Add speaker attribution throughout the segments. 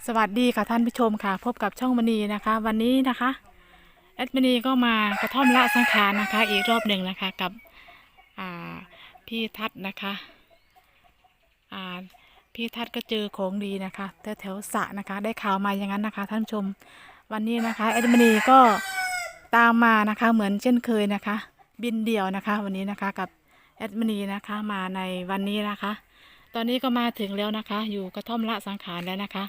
Speaker 1: สวัสดีค่ะท่านผู้ชมค่ะพบกับช่องมณีนะคะวันนี้นะคะแอดมณีก็มากระท่อมละสังขารนะคะอีกรอบหนึ่งนะคะกับอ่าพี่ทัศน์นะคะอ่าพี่ทัศน์ก็เจอของดีนะคะแถวสระนะคะได้ข่าวมาอย่างนั้นนะคะท่านผู้ชมวันนี้นะคะแอดมณีก็ตามมานะคะเหมือนเช่นเคยนะคะบินเดี่ยวนะคะวันนี้นะคะกับแอดมณีนะคะมาในวันนี้นะคะตอนนี้ก็มาถึงแล้วนะคะอยู่กระท่อมละสังขารแล้วนะคะ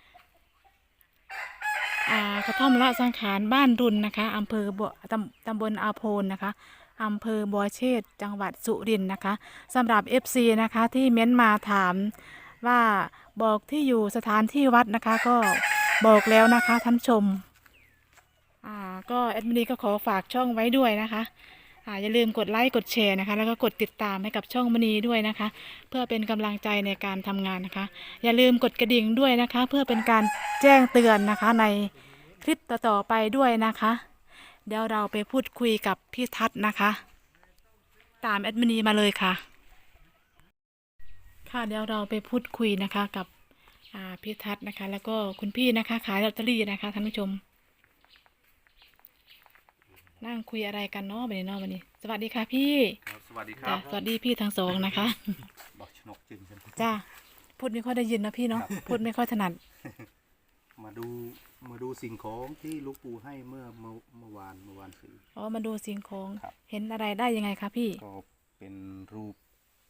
Speaker 1: กระท่อมละสังขารบ้านรุนนะคะอำเภอบัวตำบลอาโพนนะคะอำเภอบัวเชษจังหวัดสุรินทร์นะคะสำหรับ FC นะคะที่เม้นมาถามว่าบอกที่อยู่สถานที่วัดนะคะก็บอกแล้วนะคะท่านผู้ชมก็แอดมินก็ขอฝากช่องไว้ด้วยนะคะอย่าลืมกดไลค์กดแชร์นะคะแล้วก็กดติดตามให้กับช่องมณีด้วยนะคะเพื่อเป็นกำลังใจในการทำงานนะคะอย่าลืมกดกระดิ่งด้วยนะคะเพื่อเป็นการแจ้งเตือนนะคะในคลิปต่อๆไปด้วยนะคะเดี๋ยวเราไปพูดคุยกับพี่ทัศน์นะคะตามแอดมินีมาเลยค่ะค่ะเดี๋ยวเราไปพูดคุยนะคะกับพี่ทัศน์นะคะแล้วก็คุณพี่นะคะขายลอตเตอรี่นะคะท่านผู้ชมนั่งคุยอะไรกันเนาะวันนี้เนาะวันนี้สวัสดีค่ะพี่
Speaker 2: สวัสดีครั
Speaker 1: จ้ะ
Speaker 2: บ
Speaker 1: สวัสดีพี่ทั้งสองนะคะ
Speaker 2: บอกชนกจริงใช่ไหม
Speaker 1: จ้าพูดไม่ค่อยได้ยินนะพี่เนาะพูดไม่ค่อยถนัด
Speaker 2: มาดูมาดูสิ่งของที่หลูกปู่ให้เมื่อวานซื้อ
Speaker 1: อ๋อมาดูสิ่งของ
Speaker 2: ครับ
Speaker 1: เห็นอะไรได้ยังไงคะพี่
Speaker 2: ก็เป็นรูป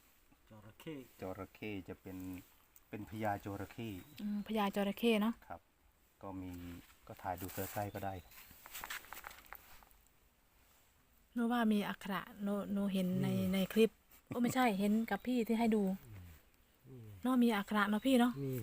Speaker 2: จระเข้จะเป็นพญาจระเข้
Speaker 1: พญาจระเข้เนาะ
Speaker 2: ครับก็ถ่ายดูเสื้อไส้ก็ได้
Speaker 1: หนูว่ามีอักขระหนูเห็นในคลิปโอ้ไม่ใช่เห็นกับพี่ที่ให้ดูเนาะมีอักขระเนาะพี่เนาะ
Speaker 3: นี่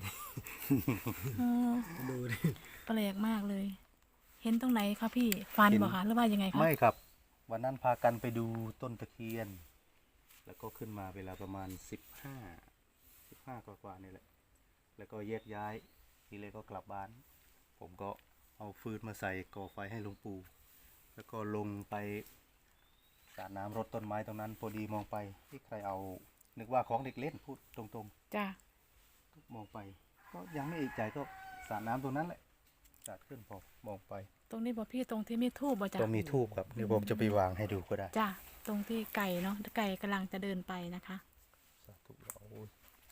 Speaker 3: ดูดิ
Speaker 1: แปลกมากเลย เห็นตรงไหนคะพี่ฟันบอกคะหรือว่ายังไงคะ
Speaker 2: ไม่ครับวันนั้นพากันไปดูต้นตะเคียนแล้วก็ขึ้นมาเวลาประมาณ15กว่านี่แหละแล้วก็แยกย้ายทีเลยก็กลับบ้านผมก็เอาฟืนมาใส่ก่อไฟให้หลวงปู่แล้วก็ลงไปสาดน้ำรดต้นไม้ตรงนั้นพอดีมองไปที่ใครเอานึกว่าของเด็กเล่นพูดตรง
Speaker 1: จ้า
Speaker 2: ๆมองไปก็ยังไม่เอกใจก็สาดน้ำตรงนั้นแหละสาดขึ้นพอมองไป
Speaker 1: ตรงนี้บอกพี่ตรงที่มีทูบบ่จ้า
Speaker 2: ตรงมีทูบครับเดี๋ยวผมจะไปวางให้ดูก็ได้
Speaker 1: จ้าตรงที่ไก่เนาะไก่กำลังจะเดินไปนะคะ
Speaker 2: สาธุโอ้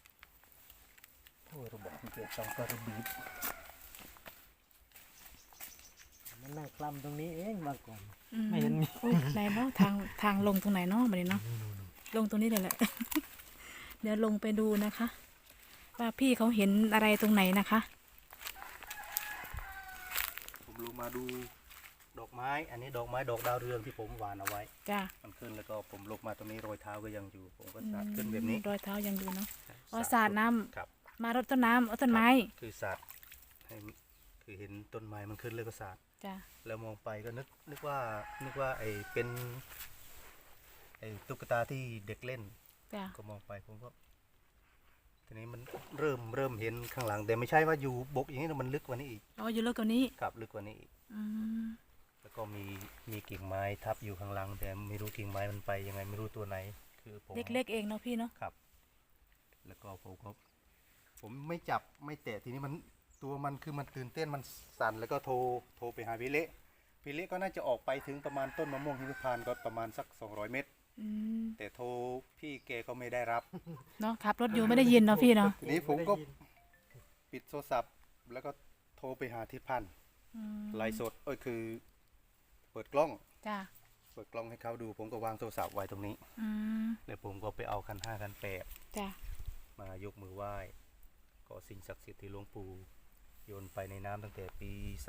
Speaker 2: ยระบบที่เกิดต้องกระบีบ
Speaker 3: มันนั่งคลำตรงนี้เองมาก่อน
Speaker 1: ไม่
Speaker 3: เห็นมี
Speaker 1: ไหนเนาะทางลงตรงไหนเนาะมาเลยเนาะลงตรงนี้เลยแหละ เดี๋ยวลงไปดูนะคะ ว่าพี่เขาเห็นอะไรตรงไหนนะคะ
Speaker 2: ผมลงมาดูดอกไม้อันนี้ดอกไม้ดอกดาวเรืองที่ผมหว่านเอาไว้
Speaker 1: จ้า
Speaker 2: มันขึ้นแล้วก็ผมลงมาตรงนี้รอยเท้าก็ยังอยู่ผมก็สาดขึ้นแบบนี้
Speaker 1: รอยเท้ายังอยู่เนาะอ๋อสาดน้ำ
Speaker 2: ครับ
Speaker 1: มารดต้นน้ำต้นไม้
Speaker 2: คือสาดให้คือเห็นต้นไม้มันขึ้นเลยก็สาด
Speaker 1: จ้า
Speaker 2: แล้วมองไปก็นึกว่าไอ้เป็นไอ้ตุ๊กตาที่เด็กเล่น
Speaker 1: จ้า
Speaker 2: ก็มองไปผมก็ทีนี้มันเริ่มเห็นข้างหลังแต่ไม่ใช่ว่าอยู่บกอย่างนี้นะมันลึกกว่านี้อีก
Speaker 1: อ๋ออยู่ลึกกว่านี้
Speaker 2: ครับลึกกว่านี้อีกแล้วก็มีกิ่งไม้ทับอยู่ข้างหลังแต่ไม่รู้กิ่งไม้มันไปยังไงไม่รู้ตัวไหนคือผม
Speaker 1: เล็กๆเองเนาะพี่เนาะ
Speaker 2: ครับแล้วก็ผมไม่จับไม่แตะทีนี้มันตัวมันคือมันตื่นเต้นมันสั่นแล้วก็โทรไปหาพี่เละก็น่าจะออกไปถึงประมาณต้นมะม่วงหิมพานต์ก็ประมาณสัก200 เมตรแต่โทรพี่แกก็ไม่ได้รับ
Speaker 1: เนาะขับรถอยู่ไม่ได้ยินเนาะพี่เนาะ
Speaker 2: ทีนี้ผมก็ปิดโทรศัพท์แล้วก็โทรไปหาทิศพันธ์ไลฟ์สดคือเปิดกล้อง
Speaker 1: จ้า
Speaker 2: เปิดกล้องให้เขาดูผมก็วางโทรศัพท์ไว้ตรงนี้แล้วผมก็ไปเอาคัน5คัน8
Speaker 1: จ้
Speaker 2: ามายกมือไหว้ก็สิ่งศักดิ์สิทธิ์ที่หลวงปู่โยนไปในน้ำตั้งแต่ปี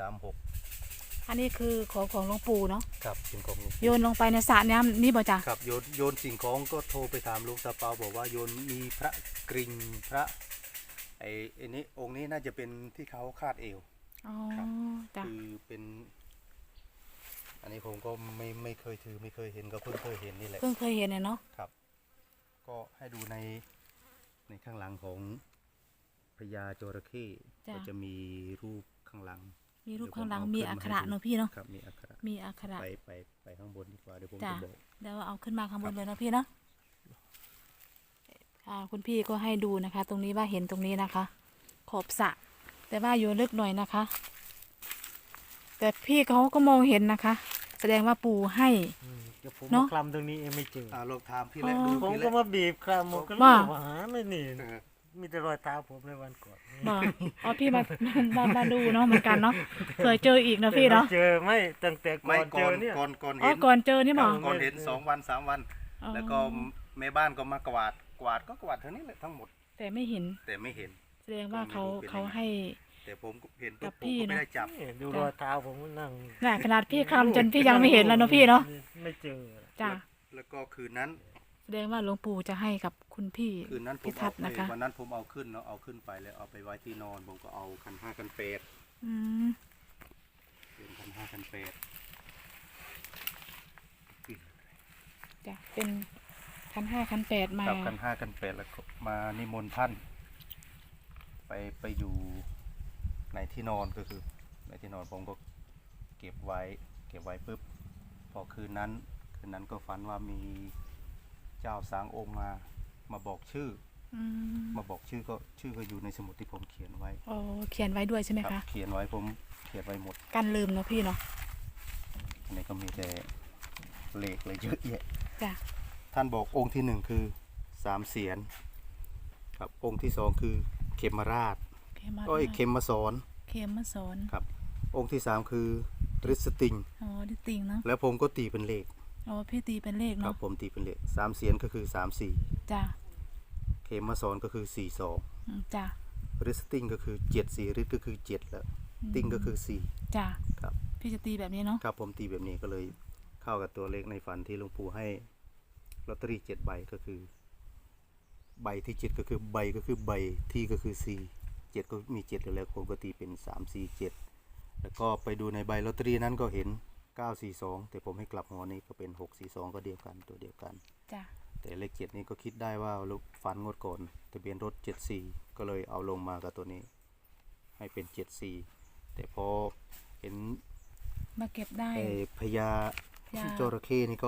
Speaker 2: 36
Speaker 1: อันนี้คือของหลวงปู่เนาะ
Speaker 2: ครับสิ่งของ
Speaker 1: โยนลงไปในสระน้ำนี่บ่จ้า
Speaker 2: ครับโยนสิ่งของก็โทรไปถามหลวงตาเปาบอกว่าโยนมีพระกริ่งพระไอ้นี้องค์นี้น่าจะเป็นที่เขาคาดเอว
Speaker 1: อ๋อจ้า
Speaker 2: คือเป็นอันนี้ผมก็ไม่เคยถือไม่เคยเห็นก็เพิ่งเคยเห็นนี่แหละ
Speaker 1: เพิ่งเคยเห็นเนาะ
Speaker 2: ครับก็ให้ดูในข้างหลังของพญาจระเข้ก็จะมีรูปข้างหลัง
Speaker 1: มีรูปข้างหลังมีอักขระเนาะพี่เนาะ
Speaker 2: ครับมีอักขระไปข้างบนดีกว่าเดี๋ยวผมจะบอก
Speaker 1: เดี๋ยวเอาขึ้นมาข้างบนเลยนะพี่เนาะคุณพี่ก็ให้ดูนะคะ ตรงนี้ว่าเห็นตรงนี้นะคะขอบสระแต่ว่าอยู่ลึกหน่อยนะคะ แต่พี่เขาก็มองเห็นนะคะ แสดงว่าปู่ให้
Speaker 3: เดี๋ยวผม
Speaker 1: เน
Speaker 3: มา
Speaker 1: อะ
Speaker 3: คลำตรงนี้เองไม่เจอ
Speaker 2: ลองถามพี่แหละ
Speaker 1: อ๋อ
Speaker 2: ดู
Speaker 3: ผม
Speaker 2: พี่แห
Speaker 3: ก็
Speaker 2: ละ
Speaker 3: มาบีบคลำผมก็
Speaker 1: ว่า
Speaker 3: รู้ว่าหาไม่นี่
Speaker 2: เออ
Speaker 3: มีแต่รอยเท้าผมในวันก่อน
Speaker 1: บอกอ๋อพี่มาดูเนาะเหมือนกันเนาะเผื่อเจออีกนะพี่เนาะ
Speaker 3: เจอไม่ตั้งแต่ก่
Speaker 2: ไม่
Speaker 3: อนเจ
Speaker 2: ก่อ
Speaker 3: อน เนี่ย
Speaker 2: ก่อน
Speaker 1: อ๋อ
Speaker 2: เห็น
Speaker 1: ก่อนเจอนี่บอก
Speaker 2: ก่อนเห็น2 วัน 3 วัน
Speaker 1: อ๋อ
Speaker 2: แล้วก็แม่บ้านก็มากวาดก็กวาดเท่านี้แหละทั้งหมด
Speaker 1: แต่ไม่เห็น
Speaker 2: แต่ไม่เห็น
Speaker 1: แสดงว่าเขา
Speaker 2: ก็ไม่รู้เป็นยังไง
Speaker 1: เขาให้
Speaker 2: แต่ผมก็เห็นปุ๊
Speaker 1: กั
Speaker 2: บบ ผม
Speaker 1: พี่
Speaker 2: ก็ไม่
Speaker 1: นะ
Speaker 2: ได้จับ
Speaker 3: นี่ดูรอยเท้าผมก็นั่ง
Speaker 1: น่ะขนาดพี่คลำจนพี่ยังไม่เห็นแล้วเนาะพี่เนาะ
Speaker 3: ไม่เจอ
Speaker 1: จ้ะ
Speaker 2: แล้วก็คืนนั้น
Speaker 1: แสดงว่าหลวงปู่จะให้กับคุณพี่
Speaker 2: คืนนั้นผม
Speaker 1: พิทั
Speaker 2: เอา
Speaker 1: กษ์นะคะ
Speaker 2: วันนั้นผมเอาขึ้นเนาะเอาขึ้นไปแล้วเอาไปไว้ที่นอนผมก็เอาคัน5คัน8
Speaker 1: อืม
Speaker 2: เป็นคัน5คัน8
Speaker 1: จ้ะเป็นคัน 5 คัน 8 มา
Speaker 2: กับคัน5คัน8แล้วก็มานิมนต์ท่าน ไปอยู่ในที่นอนก็คือในที่นอนผมก็เก็บไว้ปุ๊บพอคืนนั้นก็ฝันว่ามีเจ้าสางองค์มาบอกชื่อ
Speaker 1: อืม
Speaker 2: มาบอกชื่อก็อยู่ในสมุดที่ผมเขียนไว้
Speaker 1: โอ้เขียนไว้ด้วยใช่ไหม
Speaker 2: ครั
Speaker 1: คะ
Speaker 2: เขียนไว้ผมเขียนไว้หมด
Speaker 1: กันลืมเนาะพี่เนาะ
Speaker 2: อันนี้ก็มีแต่เลขเลยเยอะแยะ
Speaker 1: จ้ะ
Speaker 2: ท่านบอกองค์ที่1คือ3 เสียนครับองค์ที่2คือเขมราช
Speaker 1: เขมมา
Speaker 2: เขมมาสอน
Speaker 1: เขมมาสอน
Speaker 2: ครับองค์ที่3คือริสติง
Speaker 1: อ๋อดิติงเนาะ
Speaker 2: แล้วผมก็ตีเป็นเลข
Speaker 1: อ๋อพี่ตีเป็นเลข
Speaker 2: ครั
Speaker 1: เนาะ
Speaker 2: บผมตีเป็นเลข3 เสียนก็คือ3
Speaker 1: จ้ะ
Speaker 2: 4เขมมาสอนก็คือ4
Speaker 1: อืมจ้ะ
Speaker 2: 2ริสติงก็คือ7 4ริสก็คือ7แล้วติงก็คือ4
Speaker 1: จ้ะ
Speaker 2: ครับ
Speaker 1: พี่จะตีแบบนี้เนาะ
Speaker 2: ครับผมตีแบบนี้ก็เลยเข้ากับตัวเลขในฝันที่หลวงปู่ให้ลอตเตอรี่7 ใบก็คือ ใบที่7ก็คือใบที่ก็คือ4 7ก็มี7อยู่แล้วผมก็ตีเป็น3 4 7แล้วก็ไปดูในใบลอตเตอรี่นั้นก็เห็น942แต่ผมให้กลับหัวนี้ก็เป็น642ก็เดียวกันตัวเดียวกัน
Speaker 1: จ้ะ
Speaker 2: แต่เลข7นี้ก็คิดได้ว่าลูกฝันงดก่อนทะเบียนรถ74ก็เลยเอาลงมากับตัวนี้ ให้เป็น74แต่พอเห็น
Speaker 1: มาเก็บได้
Speaker 2: พญา
Speaker 1: พญา
Speaker 2: จระเข้นี่ก็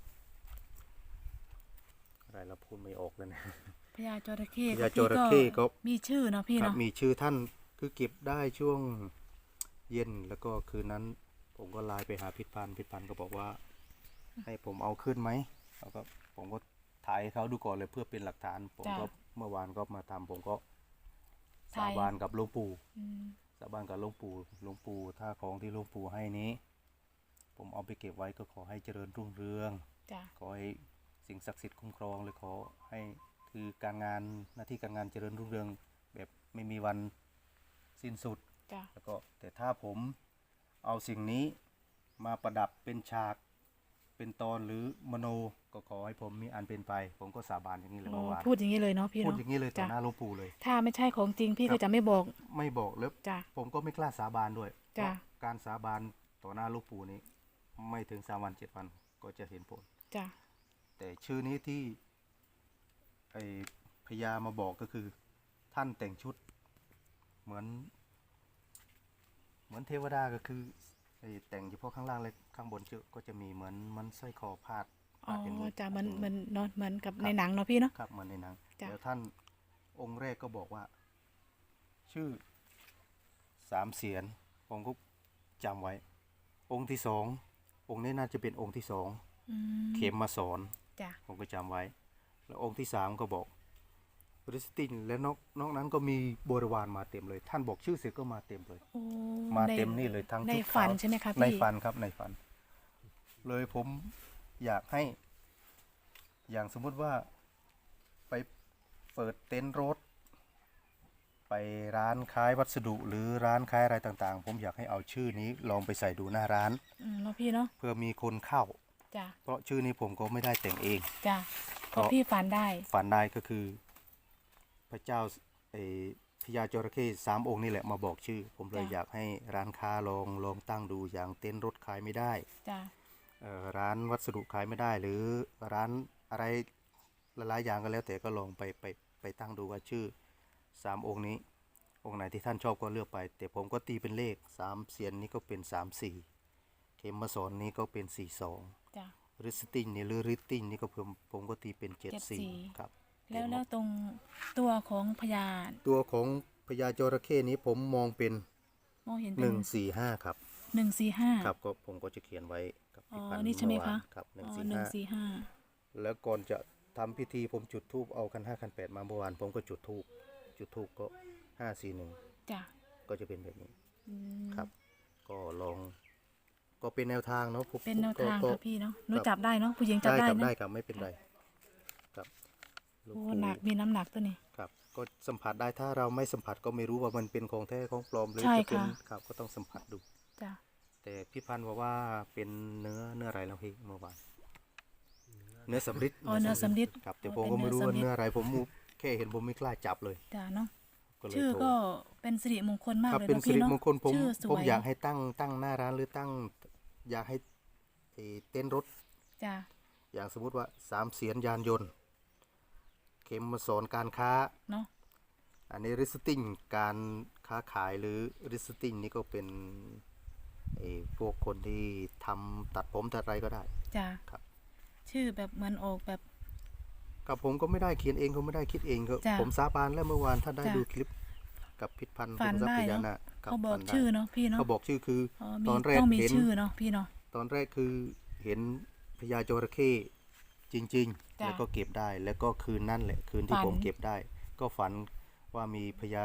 Speaker 2: อะไรเราพูดไม่ออกเลยนะ
Speaker 1: พญาจระเข้
Speaker 2: พญาจระเข้ก็
Speaker 1: มีชื่อเนาะพี่
Speaker 2: ครับ
Speaker 1: เนาะ
Speaker 2: มีชื่อท่านคือเก็บได้ช่วงเย็นแล้วก็คืนนั้นผมก็ไลน์ไปหาพิพันธ์ก็บอกว่า ให้ผมเอาขึ้นไหมแล้วก็ผมก็ถ่ายให้เขาดูก่อนเลยเพื่อเป็นหลักฐาน ผมก็เมื่อวานก็มาทำผมก็สาบานกับหลวงปู่
Speaker 1: อืม
Speaker 2: สาบานกับหลวงปู่ถ้าของที่หลวงปู่ให้นี้ ผมเอาไปเก็บไว้ก็ขอให้เจริญรุ่งเรือง
Speaker 1: จ้ะ
Speaker 2: ขอให้สิ่งศักดิ์สิทธิ์คุ้มครองเลยขอให้คือการงานหน้าที่การงานเจริญรุ่งเรืองแบบไม่มีวันสิ้นสุด
Speaker 1: จ้ะ
Speaker 2: แล้วก็แต่ถ้าผมเอาสิ่งนี้มาประดับเป็นฉากเป็นตอนหรือมโนก็ขอให้ผมมีอันเป็นไป ผมก็สาบานอย่างนี้เลย
Speaker 1: อ๋อ
Speaker 2: เมื่อวาน
Speaker 1: พูดอย่างนี้เลยเนาะพี่
Speaker 2: พูด
Speaker 1: เนาะ
Speaker 2: อย่างนี้เลยต่อ
Speaker 1: จ้ะ
Speaker 2: หน้าหลวงปู่เลย
Speaker 1: ถ้าไม่ใช่ของจริงพี่
Speaker 2: ครั
Speaker 1: ก็
Speaker 2: บ
Speaker 1: จะไม่บอก
Speaker 2: ไม่บอกแล้ว
Speaker 1: จ้ะ
Speaker 2: ผมก็ไม่กล้าสาบานด้วย
Speaker 1: จ้ะ
Speaker 2: เพราะการสาบานต่อหน้าหลวงปู่นี้ ไม่ถึง3 วัน 7 วันก็จะเห็นผล
Speaker 1: จ้ะ
Speaker 2: แต่ชื่อนี้ที่ไอพญามาบอกก็คือ ท่านแต่งชุด เหมือนเทวดาก็คือไอแต่งเฉพาะข้างล่างเลยข้างบนก็จะมีเหมือนมันสร้อยคอพาด
Speaker 1: อ๋อ
Speaker 2: อย่างนี้
Speaker 1: จ้ะเหมันเนาะเหมือนกับ
Speaker 2: ครับ
Speaker 1: ในหนังเนาะพี่เนาะ
Speaker 2: ครับเหมือนในหนัง
Speaker 1: จ้ะ
Speaker 2: แล้วท่านองค์แรกก็บอกว่า ชื่อ3 เสียนผมก็จำไว้ องค์ที่2องค์นี้น่าจะเป็นองค์ที่2
Speaker 1: อืม
Speaker 2: เข็มมาสอน
Speaker 1: จ้ะ
Speaker 2: ผมก็จำไว้ แล้วองค์ที่3ก็บอกริสตินและนอกนั้นก็มีบริวารมาเต็มเลย ท่านบอกชื่อเสร็จก็มาเต็มเลย
Speaker 1: โอ้
Speaker 2: มา
Speaker 1: ใน
Speaker 2: เต็มนี่เลยทั้ง
Speaker 1: ใน
Speaker 2: ชุด
Speaker 1: ฝัน
Speaker 2: ขาว
Speaker 1: ใช่ไหมคะ
Speaker 2: ใน
Speaker 1: พี่
Speaker 2: ฝันครับในฝัน เลยผมอยากให้ อย่างสมมุติว่าไปเปิดเต็นท์รถ ไปร้านขายวัสดุหรือร้านขายอะไรต่างๆ ผมอยากให้เอาชื่อนี้ลองไปใส่ดูหน้าร้าน
Speaker 1: อืมเนาะพี่เนาะ
Speaker 2: เพื่อมีคนเข้า
Speaker 1: จ้ะ
Speaker 2: เพราะชื่อนี้ผมก็ไม่ได้แต่งเอง
Speaker 1: จ้ะ
Speaker 2: เพ
Speaker 1: ก็
Speaker 2: ราะ
Speaker 1: พี่ฝันได้
Speaker 2: ฝันได้ก็คือ พระเจ้าพญาจระเข้3 องค์นี่แหละมาบอกชื่อ ผมเลย
Speaker 1: จ้ะ
Speaker 2: อยากให้ร้านค้าลองตั้งดูอย่างเต็นท์รถขายไม่ได้
Speaker 1: จ้ะ
Speaker 2: ร้านวัสดุขายไม่ได้ หรือร้านอะไรหลายๆอย่างก็แล้ว แต่ก็ลองไปตั้งดูว่าชื่อ3 องค์นี้ องค์ไหนที่ท่านชอบก็เลือกไป แต่ผมก็ตีเป็นเลข3 เสียนนี้ก็เป็น3 4เข็มมาสอนนี้ก็เป็น4 2
Speaker 1: จ้ะ
Speaker 2: ริสตินนี่หรือริตตินนี่ก็ผมก็ตีเป็น7
Speaker 1: 74
Speaker 2: 4ครับ
Speaker 1: แล้วตรงตัวของพญา
Speaker 2: ตัวของพญาจระเข้นี้ผมมองเป็น
Speaker 1: มองเห็นเป็น
Speaker 2: 145ครับ
Speaker 1: 145
Speaker 2: ครับก็ผมก็จะเขียนไว้กับ
Speaker 1: อ๋อ
Speaker 2: พี่พันธ์
Speaker 1: นี่ใช่ไหม
Speaker 2: เอวา
Speaker 1: คะ
Speaker 2: นครับ
Speaker 1: อ๋อ
Speaker 2: 145
Speaker 1: 145
Speaker 2: แล้วก่อนจะทำพิธีผมจุดธูปเอาคัน 5 คัน 8มาเมื่อวานผมก็จุดธูปก็541
Speaker 1: จ้ะ
Speaker 2: ก็จะเป็นแบบนี้
Speaker 1: อืม
Speaker 2: ครับ ก็ลองก็เป็นแนวทางเนาะผม
Speaker 1: เป็นแนวทาง
Speaker 2: ก็
Speaker 1: ค่ะพี่เนาะหนู
Speaker 2: ครับ
Speaker 1: จับได้เนาะผู้หญิงจับ
Speaker 2: ได้
Speaker 1: ได้
Speaker 2: ครับ
Speaker 1: เนาะ
Speaker 2: ได้ครับไม่เป็นไรครับหลวง
Speaker 1: โอ้
Speaker 2: ปู่
Speaker 1: หนักมีน้ำหนักตัวนี้
Speaker 2: ครับก็สัมผัสได้ถ้าเราไม่สัมผัสก็ไม่รู้ว่ามันเป็นของแท้ของปลอมหรือ
Speaker 1: ใช่
Speaker 2: จะเป็น
Speaker 1: ค่ะ
Speaker 2: ครับก็ต้องสัมผัสดู
Speaker 1: จ้ะ
Speaker 2: แต่พี่พันธ์บอกว่าเป็นเนื้ออะไรแล้วพี่เมื่อวานเนื้อสำริด
Speaker 1: อ๋อเนื้อสำริด
Speaker 2: ครับแต่
Speaker 1: อ๋อ
Speaker 2: ผมก็ไม่รู้
Speaker 1: เป็น
Speaker 2: ว่า
Speaker 1: เนื้อสำริด
Speaker 2: เนื้ออะไรผมแค่เห็นผมไม่กล้าจับเลย
Speaker 1: จ้ะเนาะ
Speaker 2: ก็เลย
Speaker 1: ชื่อ
Speaker 2: โทร
Speaker 1: ก็เป็นสิริมงคลมาก
Speaker 2: ครับ
Speaker 1: เลย
Speaker 2: เป็น
Speaker 1: เนาะ
Speaker 2: สิ
Speaker 1: พี่
Speaker 2: ริ
Speaker 1: เนาะ
Speaker 2: มงคลผม
Speaker 1: ชื่อส
Speaker 2: ผม
Speaker 1: วย
Speaker 2: อยากให้ตั้งหน้าร้านหรือตั้งอยากให้เต้นรถ
Speaker 1: จ้ะ
Speaker 2: อย่างสมมุติว่า3 เสียนยานยนต์ เข็มมาสอนการค้า
Speaker 1: เนาะ
Speaker 2: อันนี้ริสติ้งการค้าขายหรือริสติ้งนี่ก็เป็นพวกคนที่ทำตัดผมตัดอะไรก็ได้
Speaker 1: จ้ะ
Speaker 2: ครับ
Speaker 1: ชื่อแบบเหมือนออกแบบ
Speaker 2: กับผมก็ไม่ได้เขียนเองก็ไม่ได้คิดเองก็
Speaker 1: จ้ะ
Speaker 2: ผมสาบานแล้วเมื่อวานถ้าได้
Speaker 1: จ้ะ
Speaker 2: ดูคลิปกับพิษพันธ์
Speaker 1: ฝัน
Speaker 2: คุมทรัพ
Speaker 1: ได้
Speaker 2: ย์พญา
Speaker 1: เนาะ
Speaker 2: นาคครับ
Speaker 1: เขาบอก
Speaker 2: ฝันได้
Speaker 1: ชื่อเนาะพี่เนาะ
Speaker 2: เขาบอกชื่อคือ
Speaker 1: อ๋อ
Speaker 2: ตอนแรก
Speaker 1: ต้องมี
Speaker 2: เห็น
Speaker 1: ชื่อเนาะพี่เนาะ
Speaker 2: ตอนแรกคือเห็นพญาจระเข้จริงๆ
Speaker 1: จ้ะ
Speaker 2: แล้วก็เก็บได้แล้วก็คืนนั่นแหละคืนที่
Speaker 1: ฝัน
Speaker 2: ผมเก็บได้ ก็ฝันว่ามีพญา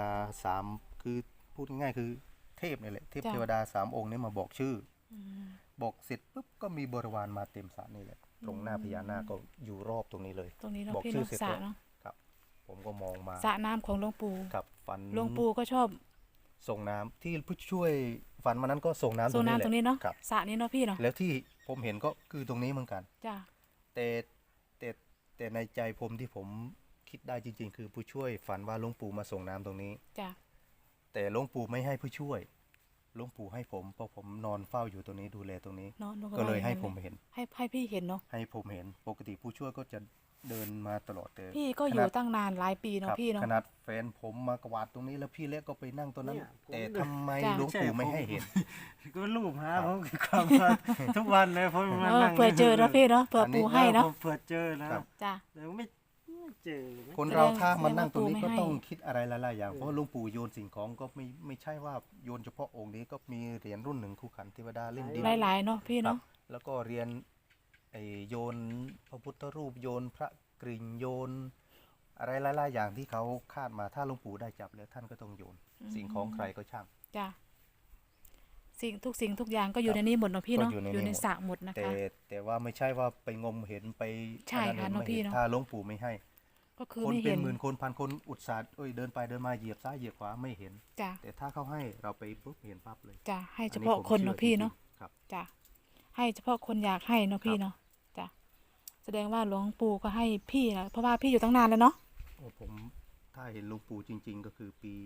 Speaker 2: 3คือพูดง่ายๆคือเทพนี่แหละเทพเทวดา3 องค์นี้มาบอกชื่อ
Speaker 1: อืม
Speaker 2: บอกเสร็จปุ๊บก็มีบริวารมาเต็มสระนี่แหละตรงหน้าพญานาคก็อยู่รอบตรงนี้เลย
Speaker 1: ตรงนี้เนาะ
Speaker 2: บอก
Speaker 1: พี่
Speaker 2: ชื่อ
Speaker 1: เนาะ
Speaker 2: เสร็จ
Speaker 1: สระ
Speaker 2: แล้ว
Speaker 1: เนาะ
Speaker 2: ครับ ผมก็มองมา
Speaker 1: สระน้ำของหลวงปู่
Speaker 2: ครับฝัน
Speaker 1: หลวงปู่ก็ชอบ
Speaker 2: ส่งน้ำที่ผู้ช่วยฝันมานั้นก็ส่งน้ำ
Speaker 1: โซน้ำตรงนี้เนาะ
Speaker 2: ครับ
Speaker 1: สระนี้เนาะพี่เนาะ
Speaker 2: แล้วที่ผมเห็นก็คือตรงนี้เหมือนกัน
Speaker 1: จ้ะ
Speaker 2: แต่แต่แต่ในใจผมที่ผมคิดได้จริง ๆ คือผู้ช่วยฝันว่าหลวงปู่มาส่งน้ำตรงนี้
Speaker 1: จ้ะ
Speaker 2: แต่หลวงปู่ไม่ให้ผู้ช่วยหลวงปู่ให้ผมเพราะผมนอนเฝ้าอยู่ตรงนี้ดูแลตรงนี้
Speaker 1: เนาะหนู
Speaker 2: ก็เลย
Speaker 1: ว่าอาง
Speaker 2: ให้
Speaker 1: นั้น
Speaker 2: ผมเห็น
Speaker 1: ให้พี่เห็นเนาะ
Speaker 2: ให้ผมเห็นปกติผู้ช่วยก็จะเดินมาตลอดแต่
Speaker 1: พี่ก็อยู่ตั้งนานหลายปี
Speaker 2: ค
Speaker 1: เนาะ
Speaker 2: รับ
Speaker 1: พี่เนาะ
Speaker 2: ขนาดแฟนผมมากวาดตรงนี้แล้วพี่เล็กก็ไปนั่งตรงนั้น
Speaker 3: เนี่ยผม
Speaker 2: แต่ทำไม
Speaker 1: จ้ะ
Speaker 2: หลวงปู่ไม่ให้เห็น
Speaker 3: ก็รูปหาผมความว่าทุกวันเลยผมมา
Speaker 1: เออ
Speaker 3: นั่ง
Speaker 1: เผื่อเจอเนาะพี่เนาะเผื่อ
Speaker 2: อันนี้
Speaker 1: ปู่ให้เนาะ
Speaker 3: ผมเผื่อเจอแล้ว
Speaker 2: ครับ
Speaker 1: จ้ะ
Speaker 3: แต่ไม่เจอเลย
Speaker 2: คนเราถ้า
Speaker 1: แสดง
Speaker 2: มานั่งตรงนี้
Speaker 1: ว่าปู่
Speaker 2: ก็
Speaker 1: ไม่ให้
Speaker 2: ต้องคิดอะไรหลายๆอย่างเพราะหลวงปู่โยนสิ่งของก็ไม่ใช่ว่าโยนเฉพาะองค์นี้ก็มีเหรียญรุ่นหนึ่งคู่ขันเทวดาเล่นดิน
Speaker 1: หลายๆเนาะพี่
Speaker 2: ครั
Speaker 1: เนาะ
Speaker 2: บแล้วก็เรียนโยนพระพุทธรูปโยนพระกริ่งโยน อะไรหลายๆอย่างที่เขาคาดมาถ้าหลวงปู่ได้จับแล้วท่านก็ต้องโยน สิ่งของใครก็ช่าง
Speaker 1: จ้ะสิ่งทุกอย่างก็อยู่
Speaker 2: ครับ
Speaker 1: ในนี้หมดเนาะพี่เนาะ
Speaker 2: ก็อยู่ใน
Speaker 1: อยู่ใน
Speaker 2: นี้หมด
Speaker 1: สระหมดนะ
Speaker 2: แต่
Speaker 1: คะ
Speaker 2: แต่ว่าไม่ใช่ว่าไปงมเห็นไป
Speaker 1: ใช่
Speaker 2: อันนั้น
Speaker 1: ค่ะ
Speaker 2: เห็นไม่
Speaker 1: เนอะพี่
Speaker 2: เห็น
Speaker 1: เนอะ
Speaker 2: ถ้าหลวงปู่ไม่ให้
Speaker 1: ก็คือ
Speaker 2: คน
Speaker 1: ไม่
Speaker 2: เป็
Speaker 1: เห็
Speaker 2: น
Speaker 1: น
Speaker 2: หมื่นคนพันคนอุตส่าห์เดินไปเดินมาเหยียบซ้ายเหยียบขวาไม่เห็น
Speaker 1: จ้ะ
Speaker 2: แต่ถ้าเขาให้เราไปปุ๊บเห็นปั๊บเลย
Speaker 1: จ้ะให้
Speaker 2: อั
Speaker 1: เฉพาะ
Speaker 2: ผม
Speaker 1: คนเนาะ
Speaker 2: ชื่อ
Speaker 1: พี่
Speaker 2: จริงๆ
Speaker 1: เนาะ
Speaker 2: ครับ
Speaker 1: จ้ะให้เฉพาะคนอยากให้เนาะพี่
Speaker 2: ครับ
Speaker 1: เนาะจ้ะแสดงว่าหลวงปู่ก็ให้พี่นะเพราะว่าพี่อยู่ตั้งนานแล้วเนาะ
Speaker 2: โอ้ผมถ้าเห็นหลวงปู่จริง ๆ ก็คือปี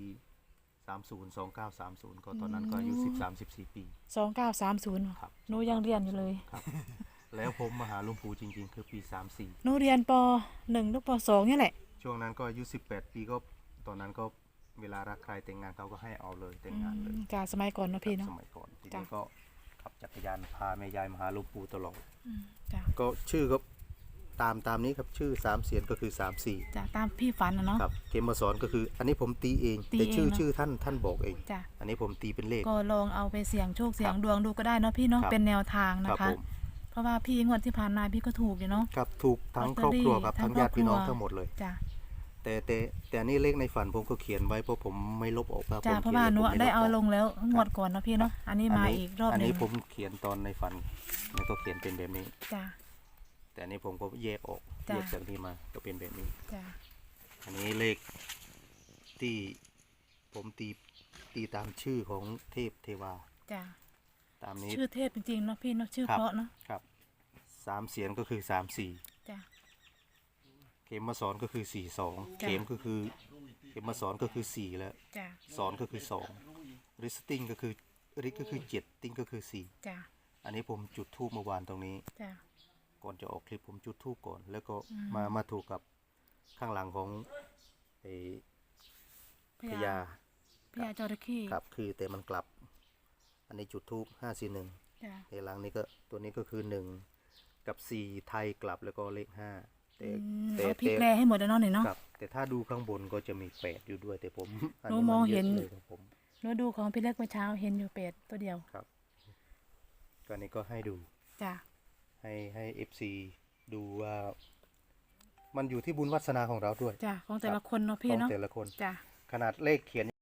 Speaker 2: 2930ก็ตอนนั้นก็อายุ13-14 ปี
Speaker 1: 2930
Speaker 2: ครับ
Speaker 1: หนูยังเรียนอยู่เลย
Speaker 2: ครับแล้วผมมาหาหลวงปู่จริง ๆ คือปี
Speaker 1: หนูเรียนป .1 หรือป .2 นี่แหละ
Speaker 2: 34ช่วงนั้นก็อายุ18 ปีก็ตอนนั้นก็เวลารักใครแต่งงานเขาก็ให้เอาเลยแต่งงานเลย
Speaker 1: จ้ะสมัยก่อนเนาะพี่
Speaker 2: ครั
Speaker 1: เนาะ
Speaker 2: บสมัยก่อนที
Speaker 1: จ้ะ
Speaker 2: นี้ก็ขับจักรยานพาแม่ยายมาหาหลวงปู่ตลอด
Speaker 1: จ้ะ
Speaker 2: ก็ชื่อก็ตามนี้ครับชื่อ3 เสียนก็คือ34
Speaker 1: จ้ะตามพี่ฝันนะเนาะ
Speaker 2: ครับเกมมาสอนก็คืออันนี้ผมตีเอง
Speaker 1: ตี
Speaker 2: แต่
Speaker 1: เอง
Speaker 2: ชื่อ
Speaker 1: เนอะ
Speaker 2: ชื่อท่านบอกเอง
Speaker 1: จ้ะ
Speaker 2: อันนี้ผมตีเป็นเลข
Speaker 1: ก็ลองเอาไปเสี่ยงโชคเสี่ยง
Speaker 2: ครับ
Speaker 1: ดวงดูก็ได้เนาะพี่เนาะ
Speaker 2: ครับ
Speaker 1: เป็นแนวทาง
Speaker 2: ค
Speaker 1: นะ
Speaker 2: รับ
Speaker 1: คะ
Speaker 2: ผม
Speaker 1: เพราะว่าพี่งวดที่ผ่านมาพี่ก็ถูกอยู่เนาะ
Speaker 2: ครับถูกทั้ง
Speaker 1: ลอต
Speaker 2: ค
Speaker 1: เต
Speaker 2: ร
Speaker 1: อ
Speaker 2: อบ
Speaker 1: รี่
Speaker 2: ครัวครับ
Speaker 1: ทั้
Speaker 2: ทั้
Speaker 1: ง
Speaker 2: งญาติพี่น้อง
Speaker 1: ครอบครัว
Speaker 2: ทั้งหมดเลย
Speaker 1: จ้ะ
Speaker 2: แต่อันนี้เลขในฝันผมก็เขียนไว้เพราะผมไม่ลบออกครับ
Speaker 1: จ้ะ
Speaker 2: ผม
Speaker 1: เพราะ
Speaker 2: ขีย
Speaker 1: ว่าหนู
Speaker 2: ผมม่
Speaker 1: ได้เอา
Speaker 2: ก
Speaker 1: ลงแล้วงวดก่อนเนาะพี่เนาะอันนี้มาอีกรอบ
Speaker 2: อัน
Speaker 1: หนึ
Speaker 2: นี้
Speaker 1: ง
Speaker 2: ผมเขียนตอนในฝันแล้วก็เขียนเป็นแบบนี้
Speaker 1: จ้ะ
Speaker 2: แต่อันนี้ผมก็แยกออก
Speaker 1: จ้ะ
Speaker 2: แยกจากนี้มาก็เป็นแบบนี้
Speaker 1: จ้ะ
Speaker 2: อันนี้เลขที่ผมตีตามชื่อของเทพเทวา
Speaker 1: จ้ะ
Speaker 2: ตามนี้
Speaker 1: ชื่อเทพจริงๆเนาะพี่เนาะชื่อ
Speaker 2: ครับ
Speaker 1: เพราะเนาะ
Speaker 2: ครับ3 เสียนก็คือ34
Speaker 1: จ้ะ
Speaker 2: เข็มมาสอนก็คือ42
Speaker 1: จ้ะ
Speaker 2: เข็มก็คือเข็มมาสอนก็คือ4แล้ว
Speaker 1: จ้ะ
Speaker 2: สอนก็คือ2ริสติ้งก็คือริก็คือ7ติ้งก็คือ4
Speaker 1: จ้ะ
Speaker 2: อันนี้ผมจุดธูปเมื่อวานตรงนี้
Speaker 1: จ้ะ
Speaker 2: ก่อนจะออกคลิปผมจุดธูปก่อน แล้วก็
Speaker 1: อืม
Speaker 2: มาถูกกับข้างหลังของไอ้
Speaker 1: พ
Speaker 2: พ
Speaker 1: ญา
Speaker 2: ญา
Speaker 1: พญาจระเข้
Speaker 2: ครับคือแต่มันกลับ อันนี้จุดธูป541
Speaker 1: จ้ะ
Speaker 2: ในหลังนี้ก็ตัวนี้ก็คือ1กับ4ไทยกลับแล้วก็เลข5 แต่
Speaker 1: เอาพลิกแลให้หมดแล้วเนาะนี่เนาะ
Speaker 2: ครับแต่ถ้าดูข้างบนก็จะมี8อยู่ด้วยแต่ผม
Speaker 1: หนูมองเห็น
Speaker 2: ยะเลยครับผม
Speaker 1: หนูดูของพี่เล็กเมื่อเช้าเห็นอยู่เป็ดตัวเดียว
Speaker 2: ครับก็นี้ก็ให้ดู
Speaker 1: จ้ะ
Speaker 2: ให้ FC ดูว่า มันอยู่ที่บุญวาสนาของเราด้วย
Speaker 1: จ้ะของแต่ละคนเนาะพี่
Speaker 2: ของ
Speaker 1: เนาะ
Speaker 2: แต่ละคน
Speaker 1: จ้ะ
Speaker 2: ขนาดเลขเขียน